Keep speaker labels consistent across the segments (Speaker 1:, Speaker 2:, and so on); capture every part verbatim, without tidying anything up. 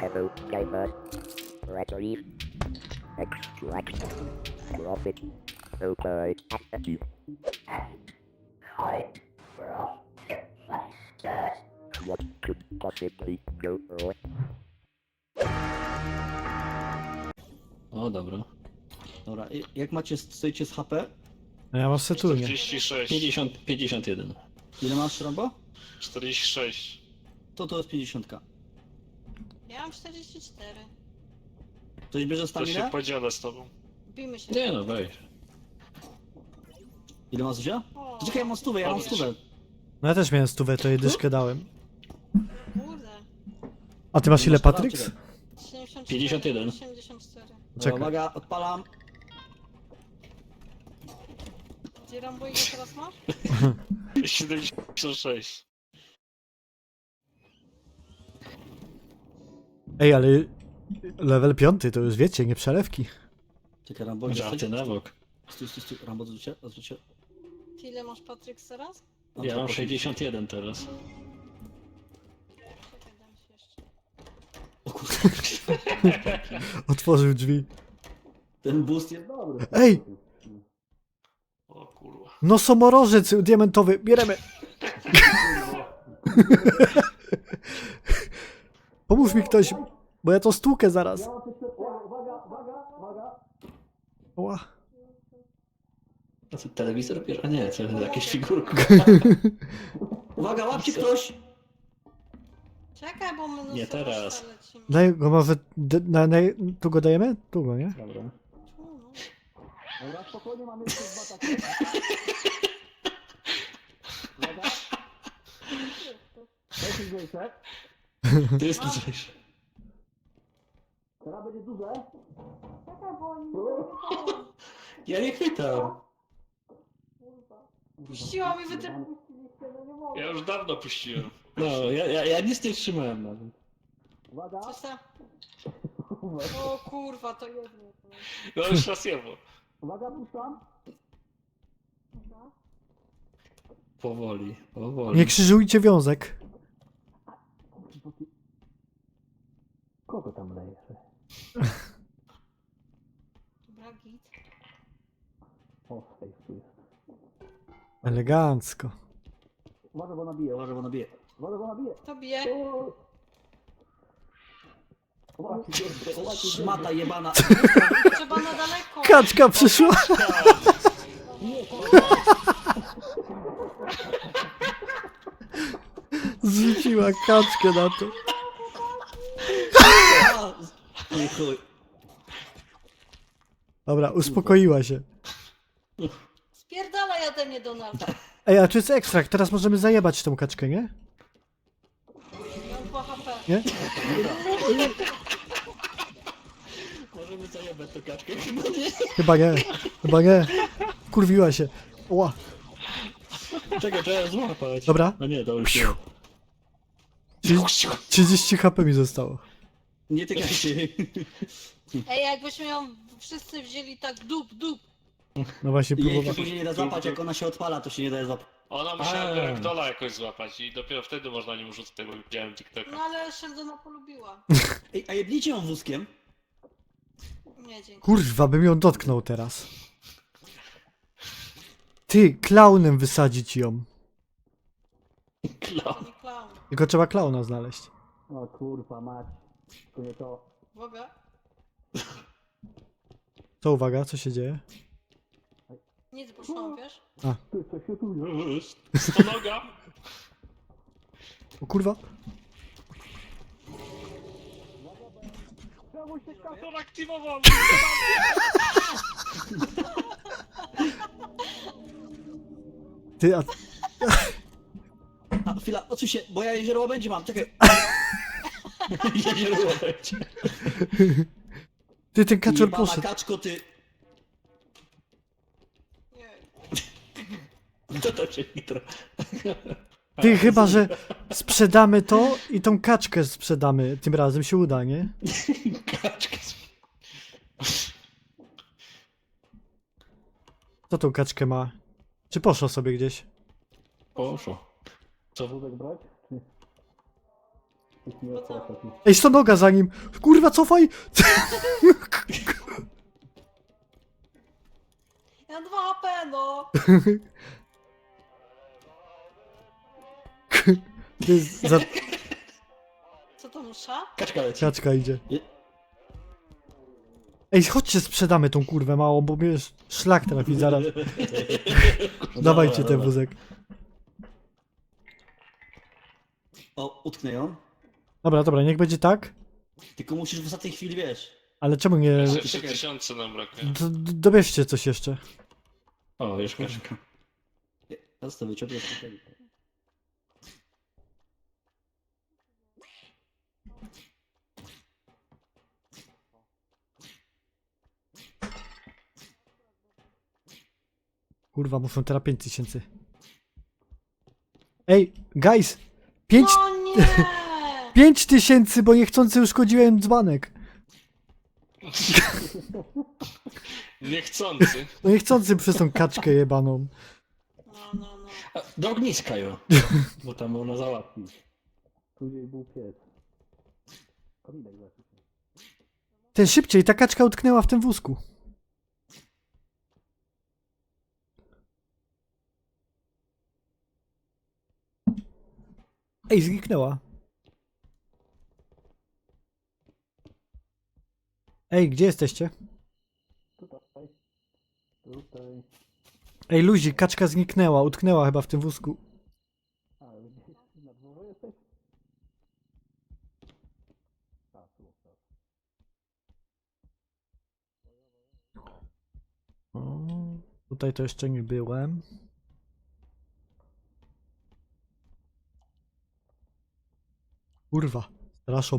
Speaker 1: Hello, gamer. Retrieve. Extract. Profit. Okay. Active. Hi, bro. What could possibly go wrong?
Speaker 2: O, dobra.
Speaker 3: Dobra, i- jak macie, stoicie z H P?
Speaker 4: No ja mam setulnie.
Speaker 5: czterdzieści sześć.
Speaker 2: pięćdziesiąt, pięćdziesiąt jeden.
Speaker 3: Ile masz, Rambo?
Speaker 5: czterdzieści sześć.
Speaker 3: To to jest pięćdziesiąt.
Speaker 6: Ja mam czterdzieści cztery.
Speaker 3: Ktoś bierze
Speaker 5: To się
Speaker 3: staminę?
Speaker 5: podzielę z tobą.
Speaker 6: Bijmy się.
Speaker 2: Nie no, weź.
Speaker 3: Ile masz Zuzia?
Speaker 6: O,
Speaker 3: Czekaj, ja mam stówę, ja mam
Speaker 5: Podnieś.
Speaker 3: stówę.
Speaker 4: No ja też miałem stówę, to jej dyszkę dałem.
Speaker 6: kurde.
Speaker 4: A ty masz ile,
Speaker 3: Masz teraz,
Speaker 4: Patryks?
Speaker 3: czekaj.
Speaker 6: siedemdziesiąt cztery,
Speaker 2: pięćdziesiąt jeden.
Speaker 6: osiemdziesiąt cztery.
Speaker 3: Dobra,
Speaker 4: Czekaj.
Speaker 3: uwaga, odpalam.
Speaker 6: Gdzie Rambo ile teraz masz?
Speaker 5: siedemdziesiąt sześć.
Speaker 4: Ej, ale level piąty to już wiecie, nie przelewki.
Speaker 3: Czekaj, Rambo, gdzie
Speaker 2: Żarty
Speaker 3: jesteś?
Speaker 2: na bok.
Speaker 3: Stój, stój, stój. Rambo, odwróć się, odwróć się.
Speaker 6: Ty ile masz Patryk teraz?
Speaker 3: No,
Speaker 2: Ja
Speaker 3: czekaj,
Speaker 2: mam sześćdziesiąt jeden teraz.
Speaker 6: Czekaj, dam ci jeszcze.
Speaker 3: O kurde,
Speaker 4: Otworzył drzwi.
Speaker 3: ten boost jest dobry.
Speaker 4: Ej!
Speaker 5: O kurwa.
Speaker 4: Nosomorożec diamentowy, bieremy! Pomóż mi ktoś, bo ja to stłukę zaraz.
Speaker 3: Uwaga, uwaga, uwaga.
Speaker 4: Ła.
Speaker 2: A co, telewizor bierze? A nie, co, jakieś figurki.
Speaker 3: Uwaga, łapcie ktoś!
Speaker 6: Czekaj, bo my
Speaker 2: Nie teraz.
Speaker 6: lecimy.
Speaker 4: Daj go może... d- Na, na, tu go dajemy? Tu go, nie?
Speaker 2: Dobra.
Speaker 6: Tu, no.
Speaker 3: Dobra, spokojnie, mamy jeszcze dwa takie. Uwaga. To jest lżejsze.
Speaker 2: To jest lżejsze.
Speaker 3: Teraz będzie duże.
Speaker 6: Czekaj, bo oni nie
Speaker 2: Ja nie chwytam.
Speaker 6: puściła mi, wy też puściliście, no nie mogę.
Speaker 5: Ja już dawno puściłem.
Speaker 2: No, ja, ja, ja nic nie trzymałem nawet.
Speaker 3: Uwaga.
Speaker 6: Coś tam. O kurwa, to jedno.
Speaker 5: No już raz jemu.
Speaker 3: Uwaga, puszczam.
Speaker 2: Powoli, powoli.
Speaker 4: Nie krzyżujcie wiązek.
Speaker 3: Kogo tam lejesz?
Speaker 6: Dobra, git.
Speaker 3: O, safe tu jest.
Speaker 4: Elegancko.
Speaker 3: Uwaga, bo nabije, uwaga, bo nabije. Uwaga, bo nabije.
Speaker 6: To bije.
Speaker 3: Szmata jebana.
Speaker 6: Trzeba na daleko.
Speaker 4: Kaczka przyszła! Zrzuciła kaczkę na to.
Speaker 3: Nie chuj.
Speaker 4: Dobra, uspokoiła się.
Speaker 6: Spierdalaj ode mnie, Donald.
Speaker 4: Ej, a czy jest ekstrakt? Teraz możemy zajebać tą kaczkę, nie?
Speaker 6: Mam dwa H P.
Speaker 4: Nie?
Speaker 2: Możemy zajebać tę kaczkę, chyba nie?
Speaker 4: Chyba nie. Chyba nie. Kurwiła się. Ła.
Speaker 2: Czekaj, trzeba złapać.
Speaker 4: Dobra.
Speaker 2: No nie, to już nie.
Speaker 4: trzydzieści H P mi zostało.
Speaker 3: Nie tykaj się.
Speaker 6: Ej, jakbyśmy ją wszyscy wzięli tak dup, dup.
Speaker 4: No właśnie,
Speaker 3: Jej się
Speaker 4: próbowałem.
Speaker 3: później nie da złapać, jak ona się odpala, to się nie da złapać.
Speaker 5: Ona musiała
Speaker 2: A.
Speaker 5: Ragdola jakoś złapać i dopiero wtedy można nią rzucać, tego widziałem TikToka.
Speaker 6: No ale Sheldona polubiła.
Speaker 3: Ej, a jebnijcie ją wózkiem.
Speaker 6: Nie, dzięki.
Speaker 4: Kurwa, bym ją dotknął teraz. Ty, klaunem wysadzić ją.
Speaker 2: Klaun.
Speaker 6: Nie klaun.
Speaker 4: Tylko trzeba klauna znaleźć.
Speaker 3: O kurwa, mać. To nie to.
Speaker 6: Uwaga.
Speaker 4: To uwaga, co się dzieje?
Speaker 6: Nic poszłam, wiesz?
Speaker 3: Ty, co się tu jest?
Speaker 5: Stonoga!
Speaker 4: O kurwa.
Speaker 5: Czemu się kator aktywował?
Speaker 4: Ty, a...
Speaker 3: A, chwila, odsuń się, bo ja jezioro będzie mam, czekaj.
Speaker 2: Jezioro będzie.
Speaker 4: Ty, ten kaczor
Speaker 3: Jebana
Speaker 4: poszedł.
Speaker 3: kaczko, ty.
Speaker 6: Nie.
Speaker 2: To to się nitro.
Speaker 4: Ty, chyba, że sprzedamy to i tą kaczkę sprzedamy. Tym razem się uda, nie?
Speaker 2: Kaczka.
Speaker 4: Kto tą kaczkę ma? Czy poszło sobie gdzieś?
Speaker 2: Poszło. Co?
Speaker 3: Wózek brać? Nie
Speaker 6: Bo co?
Speaker 3: opłaca się.
Speaker 4: Ej, sto noga za nim! Kurwa, cofaj!
Speaker 6: Ja mam dwa H P, no!
Speaker 4: To jest za...
Speaker 6: Co to musza?
Speaker 2: Kaczka leci.
Speaker 4: Kaczka idzie.
Speaker 2: Je-
Speaker 4: Ej, chodźcie, sprzedamy tą kurwę małą, bo mnie sz- szlak trafi zaraz.
Speaker 2: No
Speaker 4: Dawajcie
Speaker 2: dobra,
Speaker 4: ten
Speaker 2: dobra.
Speaker 4: wózek.
Speaker 2: O, utknę ją.
Speaker 4: Dobra, dobra, niech będzie tak.
Speaker 2: Tylko musisz w ostatniej chwili, wiesz.
Speaker 4: Ale czemu nie...
Speaker 5: Jeszcze trzy tysiące nam brakuje.
Speaker 4: D- d- dobierzcie coś jeszcze.
Speaker 2: O, już kaczka. Ja zostawię cię, to
Speaker 4: Kurwa, muszą teraz pięć tysięcy. Ej, guys! pięć
Speaker 6: No nie!
Speaker 4: pięć tysięcy, bo niechcący uszkodziłem dzbanek.
Speaker 5: Niechcący.
Speaker 4: No niechcący przez tą kaczkę jebaną.
Speaker 6: No, no, no.
Speaker 2: A, do ogniska ją. Bo tam ona załatwi.
Speaker 3: Później był pies. Kominek zaczął.
Speaker 4: Ten szybciej, ta kaczka utknęła w tym wózku. Ej, zniknęła. Ej, gdzie jesteście?
Speaker 3: Tutaj. Tutaj.
Speaker 4: Ej, luzik, kaczka zniknęła, utknęła chyba w tym wózku.
Speaker 3: A, gdzieś na dworze jesteś? A, tu, tak.
Speaker 4: O, tutaj to jeszcze nie byłem. Kurwa, straszą.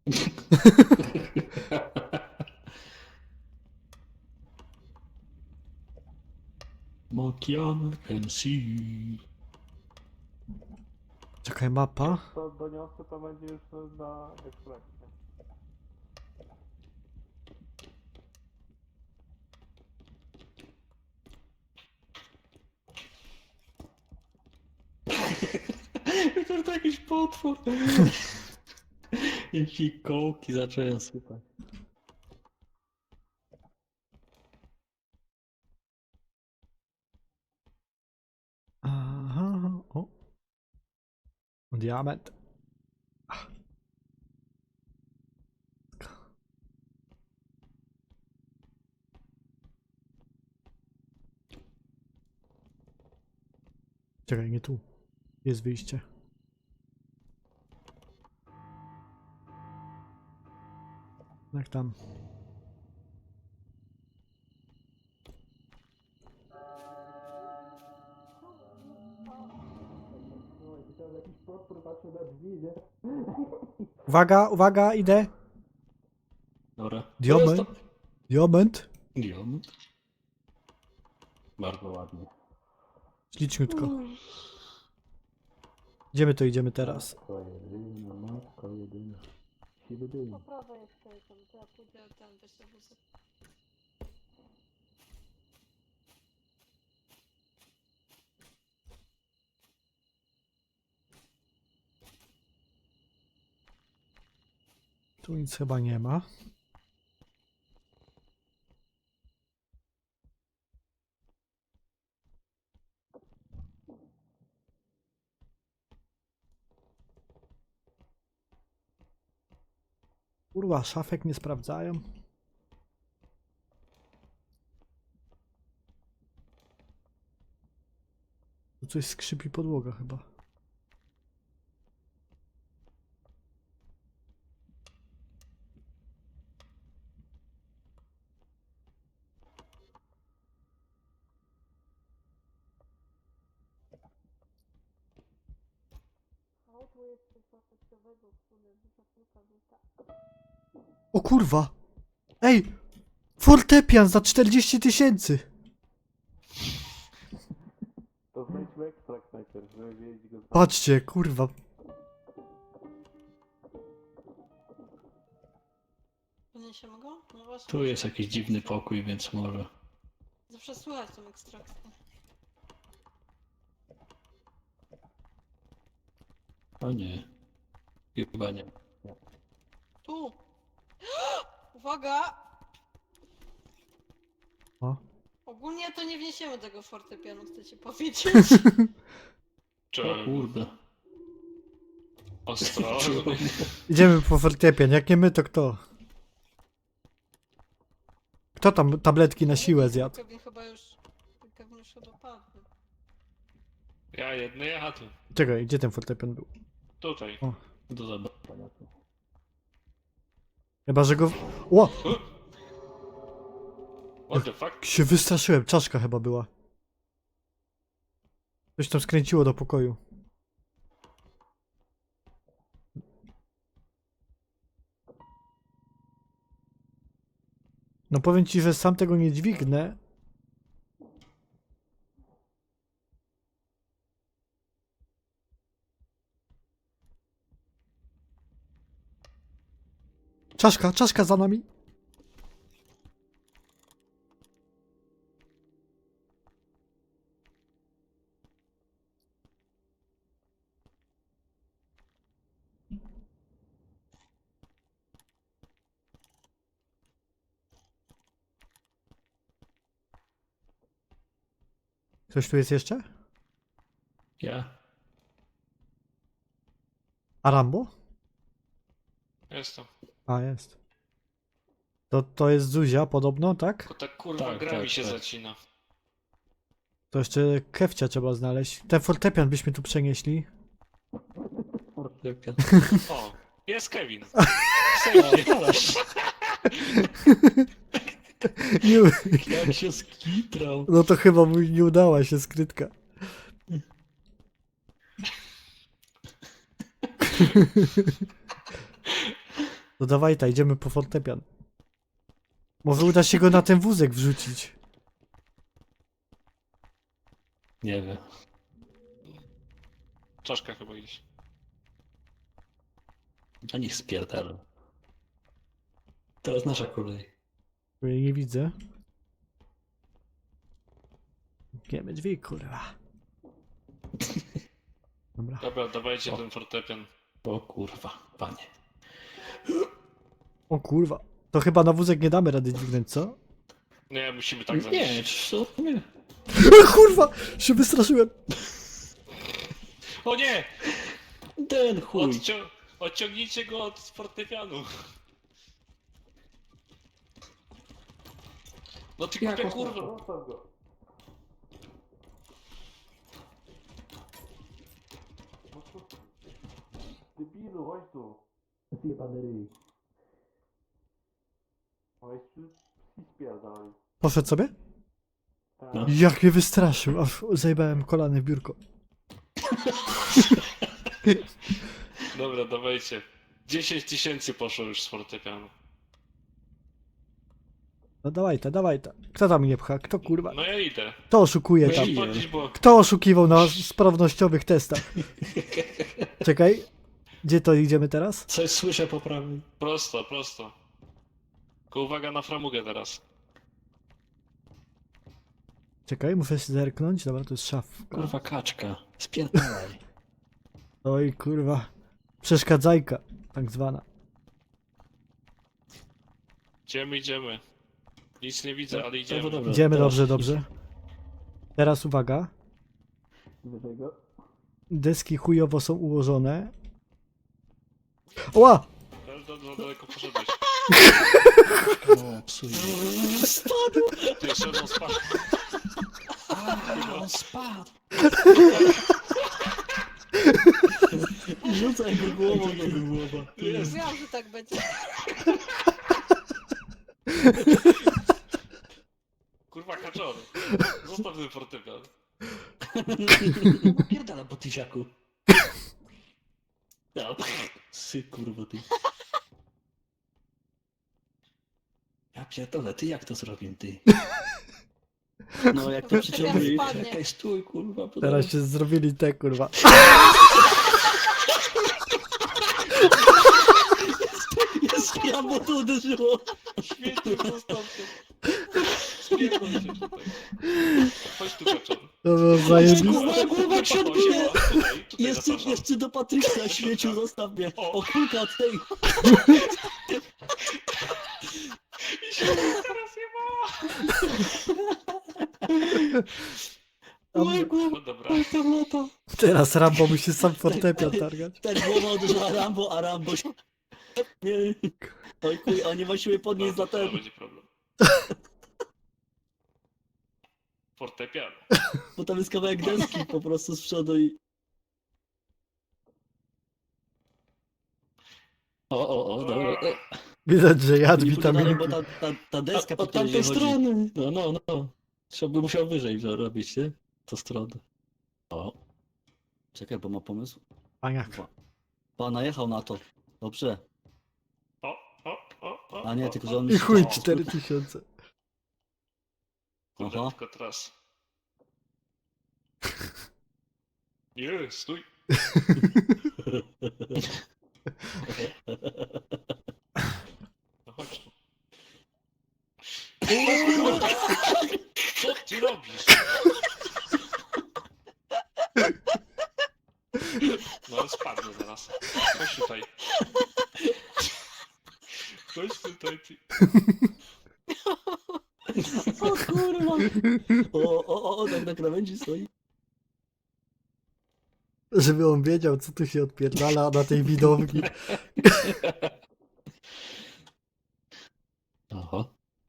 Speaker 2: Mokian can see.
Speaker 4: Czekaj, mapa.
Speaker 3: To doniosę, to będzie już na ekspresie.
Speaker 2: To to jakiś potwór. I fikołki zacząłem sypać.
Speaker 4: Aha, o. Diament. Ach. Czekaj, nie tu. Jest wyjście. Jak tam?
Speaker 3: Jakiś potwór patrzył na drzwi, nie?
Speaker 4: Uwaga, uwaga, idę.
Speaker 2: Dobra.
Speaker 4: Diament.
Speaker 2: To jest
Speaker 4: Diament.
Speaker 2: to- Diament. Bardzo ładnie.
Speaker 4: Śliczniutko. Idziemy to idziemy teraz.
Speaker 3: Matko jedyna, matko jedyna. Siwy dym.
Speaker 6: Po prawej jest tutaj, tam, to ja pójdę ten, weź ten wózek.
Speaker 4: Tu nic chyba nie ma. Kurwa, szafek nie sprawdzają. Tu coś skrzypi podłoga chyba. O kurwa! Ej! Fortepian za czterdzieści tysięcy!
Speaker 3: To znajdźmy ekstrakt najpierw, żeby wiedzieć go.
Speaker 4: Patrzcie, kurwa.
Speaker 6: Podniesiemy go? No właśnie.
Speaker 2: Tu jest jakiś dziwny pokój, więc może.
Speaker 6: Zawsze słychać tą ekstrakcję.
Speaker 2: O nie. Chyba nie.
Speaker 6: Tu. Uwaga!
Speaker 4: O.
Speaker 6: Ogólnie to nie wniesiemy tego fortepianu, chcecie powiedzieć.
Speaker 2: O
Speaker 5: Czemu?
Speaker 2: kurde.
Speaker 5: Ostrożnie.
Speaker 4: Idziemy po fortepian, jak nie my, to kto? Kto tam tabletki na siłę zjadł?
Speaker 6: Kevin chyba już... Kevin już chyba padł.
Speaker 5: Ja jedny jadł.
Speaker 4: Czekaj, gdzie ten fortepian był?
Speaker 5: Tutaj.
Speaker 2: Do zobaczenia tu.
Speaker 4: Chyba, że go... Ło!
Speaker 5: What the fuck?
Speaker 4: Się wystraszyłem, czaszka chyba była. Coś tam skręciło do pokoju. No powiem ci, że sam tego nie dźwignę. Czaszka, czaszka za nami. Ktoś tu jest jeszcze?
Speaker 2: Ja?
Speaker 4: A Rambo?
Speaker 5: Jestem.
Speaker 4: A, jest. To, to jest Zuzia podobno, tak?
Speaker 5: Tylko ta kurwa
Speaker 2: Tak,
Speaker 5: gra
Speaker 2: tak,
Speaker 5: mi się
Speaker 2: tak.
Speaker 5: zacina.
Speaker 4: To jeszcze Kefcia trzeba znaleźć. Ten fortepian byśmy tu przenieśli.
Speaker 2: Fortepian.
Speaker 5: O, jest Kevin.
Speaker 4: Nie,
Speaker 2: Jak się skitrał.
Speaker 4: no to chyba mu nie udała się skrytka. No dawaj, ta, idziemy po fortepian. Może uda się go na ten wózek wrzucić.
Speaker 2: Nie wiem.
Speaker 5: Czaszka chyba gdzieś.
Speaker 2: A niech spierdala. Teraz nasza kolej.
Speaker 4: Bo jej nie widzę. Giemy drzwi, kurwa. Dobra.
Speaker 5: Dobra, dawajcie
Speaker 2: O.
Speaker 5: ten fortepian.
Speaker 2: O kurwa, panie.
Speaker 4: O kurwa. To chyba na wózek nie damy rady dźwignąć, co?
Speaker 5: Nie, musimy tak
Speaker 2: Nie,
Speaker 5: zanieść.
Speaker 2: co? Nie.
Speaker 4: Kurwa! Się wystraszyłem.
Speaker 5: O nie!
Speaker 2: Ten chuj.
Speaker 5: Odcią odciągnijcie go od fortepianu. No ty
Speaker 2: Jak
Speaker 5: kurde,
Speaker 2: on-
Speaker 5: kurwa.
Speaker 3: Debilu, chodź tu.
Speaker 2: Zjebany ryj.
Speaker 3: Chodź tu i spierdalaj.
Speaker 4: Poszedł sobie?
Speaker 2: No.
Speaker 4: Jak mnie wystraszył, aż zajebałem kolany w biurko.
Speaker 5: Dobra, dawajcie. dziesięć tysięcy poszło już z fortepianu.
Speaker 4: No dawaj ta, dawaj ta. Kto tam mnie pcha? Kto kurwa?
Speaker 5: No ja idę.
Speaker 4: Kto oszukuje tam?
Speaker 2: Weź.
Speaker 5: Podnieś, bo...
Speaker 4: Kto oszukiwał na sprawnościowych testach? Czekaj. Gdzie to idziemy teraz?
Speaker 2: Coś słyszę po prawej.
Speaker 5: Prosto, prosto. Tylko uwaga na framugę teraz.
Speaker 4: Czekaj, muszę się zerknąć. Dobra, to jest szafka.
Speaker 2: Kurwa kaczka. Spierdalaj.
Speaker 4: Oj kurwa. Przeszkadzajka, tak zwana.
Speaker 5: Idziemy, idziemy. Nic nie widzę, ale
Speaker 2: Dobra,
Speaker 5: idziemy.
Speaker 2: dobra.
Speaker 4: Idziemy,
Speaker 2: teraz
Speaker 4: dobrze,
Speaker 2: idź.
Speaker 4: dobrze. Teraz uwaga.
Speaker 3: Wyżej go.
Speaker 4: Deski chujowo są ułożone. Ła!
Speaker 5: Za, za daleko poszedłeś.
Speaker 2: O, psuje. Spadł!
Speaker 5: Ty jeszcze jedną spadł.
Speaker 2: A, on spadł! Rzucaj go głową do głowa.
Speaker 6: Mówiłam, że tak będzie.
Speaker 5: Kurwa, kaczor. Zostaw ten fortepian.
Speaker 2: No pierdala po tysiaku. No, sy kurwa ty. Ja pierdolę, ty jak to zrobię, ty? No jak to przyciągnij,
Speaker 6: spadnie.
Speaker 2: czekaj, stój kurwa. bo
Speaker 4: Teraz się zrobili te kurwa.
Speaker 2: Jest ja, bo to uderzyło.
Speaker 5: Świetnie, zostaw to. Spierdol się tutaj. Chodź tu, kaczor.
Speaker 4: To było zajebiste.
Speaker 2: Kurwa, głowa
Speaker 5: Tutaj,
Speaker 2: się odbije.
Speaker 5: tutaj, tutaj. tutaj
Speaker 2: Jeszcze,
Speaker 5: zapraszam.
Speaker 2: jeszcze do Patryka, śmieciu, zostaw mnie.
Speaker 5: O.
Speaker 2: O kulka od tej.
Speaker 5: I się teraz jebała.
Speaker 2: Moja głowa,
Speaker 5: No dobra.
Speaker 2: to lata.
Speaker 4: Teraz Rambo musi sam fortepian targać.
Speaker 2: Ten głowa uderzyła Rambo, a Rambo się... Nie. Oj kuj, a nie ma siły podnieść za
Speaker 5: No, to
Speaker 2: ten.
Speaker 5: będzie problem. Fortepian.
Speaker 2: Bo tam jest kawałek deski po prostu z przodu i... O, o, o, dobra. O.
Speaker 4: Widać, że jadł
Speaker 2: Nie pójdę dalej,
Speaker 4: witaminki.
Speaker 2: bo ta, ta, ta deska
Speaker 5: A,
Speaker 2: po
Speaker 5: od
Speaker 2: której
Speaker 5: tamtej
Speaker 2: chodzi.
Speaker 5: strony. No, no, no. Trzeba by musiał wyżej robić, nie? To stronę. O.
Speaker 2: Czekaj, bo ma pomysł.
Speaker 4: A jak?
Speaker 2: Pa- Pan najechał na to. Dobrze.
Speaker 5: O, o, o, o.
Speaker 2: A nie,
Speaker 5: o,
Speaker 2: tylko
Speaker 5: o.
Speaker 2: że on mi
Speaker 4: I
Speaker 2: się...
Speaker 4: chuj,
Speaker 2: o,
Speaker 4: cztery tysiące.
Speaker 5: Kurde,
Speaker 2: Aha.
Speaker 5: tylko teraz. Nie, stój. No chodź tu. Co ty robisz? No ale spadnę zaraz. Chodź tutaj. Chodź tutaj, ty.
Speaker 2: O kurwa. O, o, o, o, tak na krawędzi stoi.
Speaker 4: Żeby on wiedział, co tu się odpierdala na tej widowni.
Speaker 2: Aha.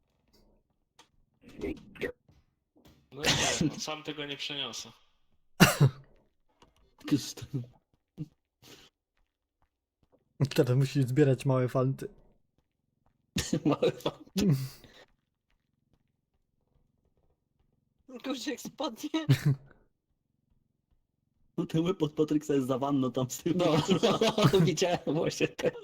Speaker 5: No nie, no, sam tego nie przeniosę.
Speaker 4: Teraz musi zbierać małe fanty.
Speaker 2: Małe fanty.
Speaker 6: Guzik spodnie.
Speaker 2: No ten łeb od Patryksa jest za wanną tam z tyłu.
Speaker 5: No,
Speaker 2: widziałem właśnie też.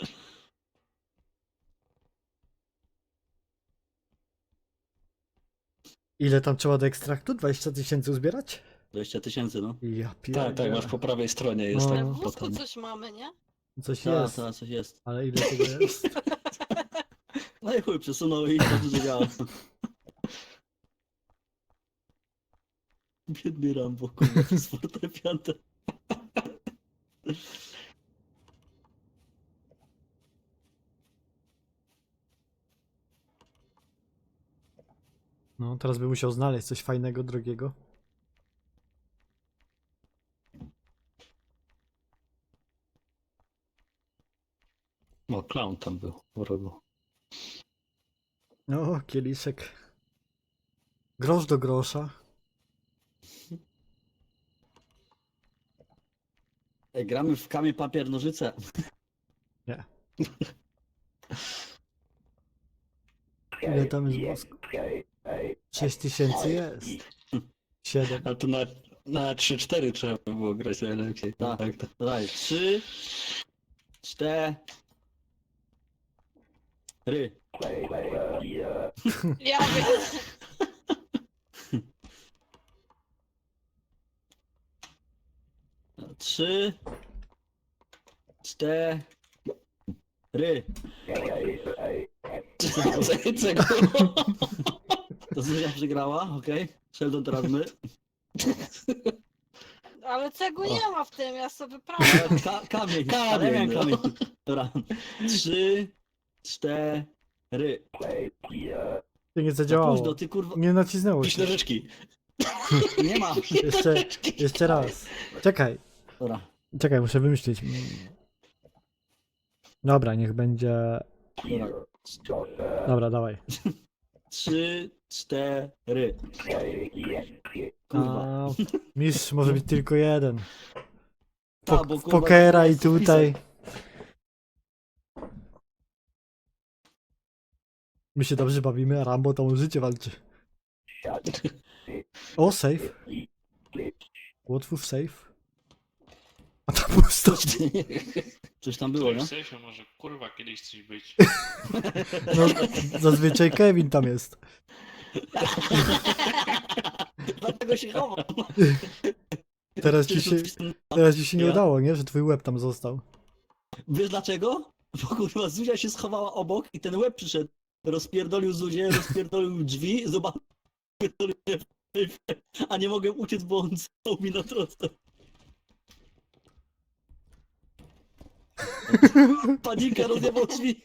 Speaker 4: Ile tam trzeba do ekstraktu? dwadzieścia tysięcy uzbierać?
Speaker 2: dwadzieścia tysięcy, no.
Speaker 4: Ja
Speaker 5: tak,
Speaker 4: pierdolę.
Speaker 5: tak, masz po prawej stronie jest
Speaker 4: No.
Speaker 5: tak
Speaker 6: W wózku
Speaker 5: potem.
Speaker 6: coś mamy, nie?
Speaker 4: Coś
Speaker 2: Tak,
Speaker 4: jest,
Speaker 2: tak, coś jest.
Speaker 4: ale ile tego jest?
Speaker 2: No i chuj, przesunął i bardzo że działa. Biedny Rambo, kurwa, z fortepiantem.
Speaker 4: No, teraz by musiał znaleźć coś fajnego, drogiego.
Speaker 5: O, clown tam był w rogu.
Speaker 4: No, kieliszek. Grosz do grosza.
Speaker 2: Ej, gramy w kamień, papier, nożyce.
Speaker 4: Ile tam jest wosku? sześć tysięcy jest. siedem.
Speaker 5: A to na, na trzy cztery trzeba by było grać najlepiej.
Speaker 2: Tak.
Speaker 5: tak, tak.
Speaker 2: Daj, trzy, cztery.
Speaker 6: Ja wiem.
Speaker 2: Trzy, cztery.
Speaker 5: Czego?
Speaker 2: To Zuzia przegrała, okej. Sheldon teraz my.
Speaker 6: Ale cegły nie ma w tym, ja sobie wyprawiam.
Speaker 2: Ka kamień,
Speaker 5: Kamień,
Speaker 2: ale miałem
Speaker 5: no.
Speaker 2: kamień. Dobra. Trzy, cztery.
Speaker 4: To nie
Speaker 2: Za
Speaker 4: zadziałało.
Speaker 2: późno, ty kurwa.
Speaker 4: Nie nacisnęło
Speaker 5: Pisz
Speaker 4: się.
Speaker 5: nożyczki.
Speaker 2: Nie ma.
Speaker 4: Jeszcze, jeszcze raz. Czekaj,
Speaker 2: Dobra.
Speaker 4: czekaj, muszę wymyślić. Mm. Dobra, niech będzie...
Speaker 2: Dobra.
Speaker 4: Dobra, dawaj.
Speaker 2: Trzy, cztery. Kurwa.
Speaker 4: A, mistrz może być tylko jeden.
Speaker 2: Ta,
Speaker 4: Po,
Speaker 2: bo,
Speaker 4: w
Speaker 2: kurwa,
Speaker 4: pokera i
Speaker 2: jest wpisek.
Speaker 4: tutaj. My się dobrze bawimy, a Rambo tam o życie walczy. O, safe. Łotwów safe. A tam pusto.
Speaker 2: Coś tam było, nie?
Speaker 5: W sensie może kurwa kiedyś coś być.
Speaker 4: No, zazwyczaj Kevin tam jest.
Speaker 2: Dlatego się chowam.
Speaker 4: Teraz ci się, teraz ci się nie
Speaker 2: Ja?
Speaker 4: udało, nie? Że twój łeb tam został.
Speaker 2: Wiesz dlaczego? Bo kurwa Zuzia się schowała obok i ten łeb przyszedł. Rozpierdolił Zuzię, rozpierdolił drzwi, zobaczył, a nie mogłem uciec, bo on stał mi na drodze. Panika rozjebał drzwi.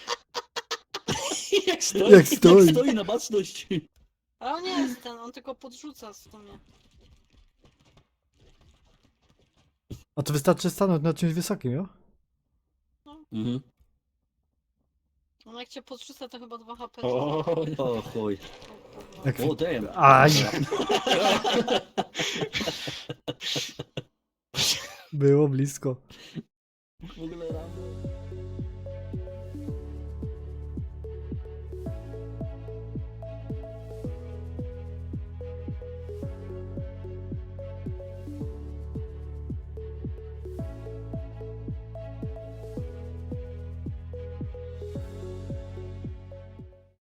Speaker 5: Jak stoi.
Speaker 4: Jak stoi.
Speaker 2: Jak stoi na baczność.
Speaker 6: A on nie jest ten, on tylko podrzuca w sumie.
Speaker 4: A to wystarczy stanąć na czymś wysokim, jo?
Speaker 2: Mhm.
Speaker 6: On jak cię podrzuca, to chyba dwa H P.
Speaker 5: O,
Speaker 2: O chuj.
Speaker 4: Jak...
Speaker 2: O damn.
Speaker 4: Aj! Było blisko.
Speaker 2: W ogóle